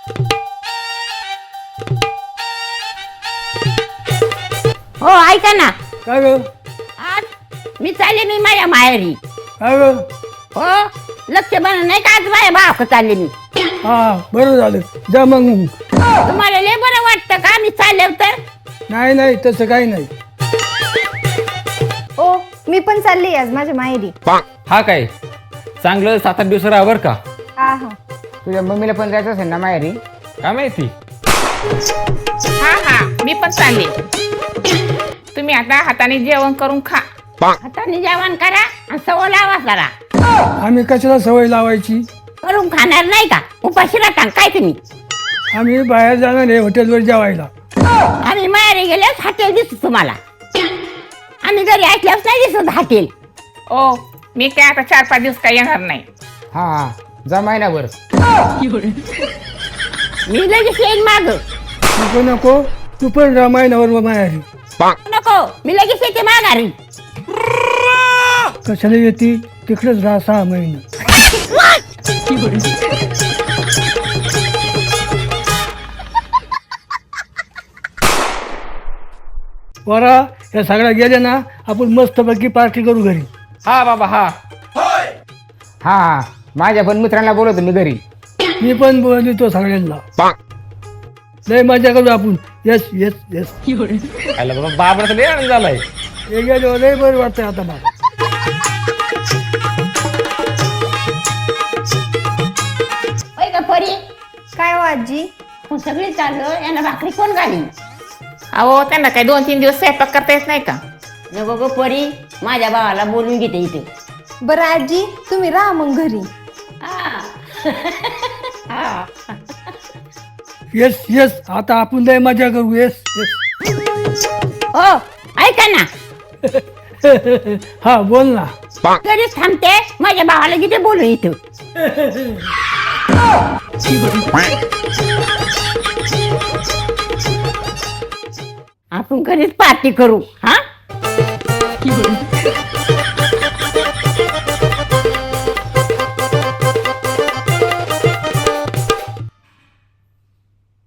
हो ऐका ना, काय ग आज मी चालले मी माझ्या माहेरी. काय ग हो लक्ष बन नाही का, आज माझ्या भावाक चालले मी. हा बरं झालं जा मग. तुम्हाला लय बरं वाटतं का मी चालले तर? नाही नाही तसं काही नाही. ओ मी पण चालली आज माझ्या माहेरी. हा काय चांगलं 7-8 दिवस राहा बरं का. हा हा. तुझ्या मम्मीला पण जायचं असेल ना माहेरी. काय माहिती. हा हा मी पण चालले. तुम्ही आता हाताने जेवण करून खा. हाताने जेवण करा आणि सवय लावा करा. आम्ही कशाला सवय लावायची. करून खाणार नाही का, उपाशी राहता काय तुम्ही? आम्ही बाहेर जाणार आहे हॉटेलवर जेवायला. आम्ही माहेरी गेल्यास हॉटेल दिसत तुम्हाला, आम्ही घरी ऐकल्यास नाही दिसत हॉटेल. ओ मी काय आता 4-5 दिवस काय येणार नाही. हा हा जा महिनाभर. मी लगेच येईन माग. नको नको तू पण रामायणावर माहेरी. नको मी लगेच येते माघारी. कशाला येते तिकडेच राहा 6 महिने. वरा या सगळ्या गेल्या ना आपण मस्तपैकी पार्टी करू घरी. हा बाबा हा. हा हा माझ्या पण मित्रांना बोलवतो मी घरी. मी पण बोलतो सगळ्यांना. लय मजा करू आपण. Yes yes yes. आला बाबा बाबरा तर लय आनंद झालाय. हे गेलो लय बरं वाटतंय आता मला. होय का परी? काय हो आजी? मग सगळी चाललो यांना भाकरी कोण घाली? अहो त्यांना काय 2-3 दिवस स्वयंपाक करता येत नाही का? नको गो परी, माझ्या भावाला बोलून घेते इथे. बरं आजी तुम्ही राहा मग घरी. हा. हा. येस येस आता आपण लय मजा करू. Yes yes. हो ऐका ना, हा बोल ना. घरीच थांबते, माझ्या भावाला किती बोलू इथं. आपण घरीच पार्टी करू. हा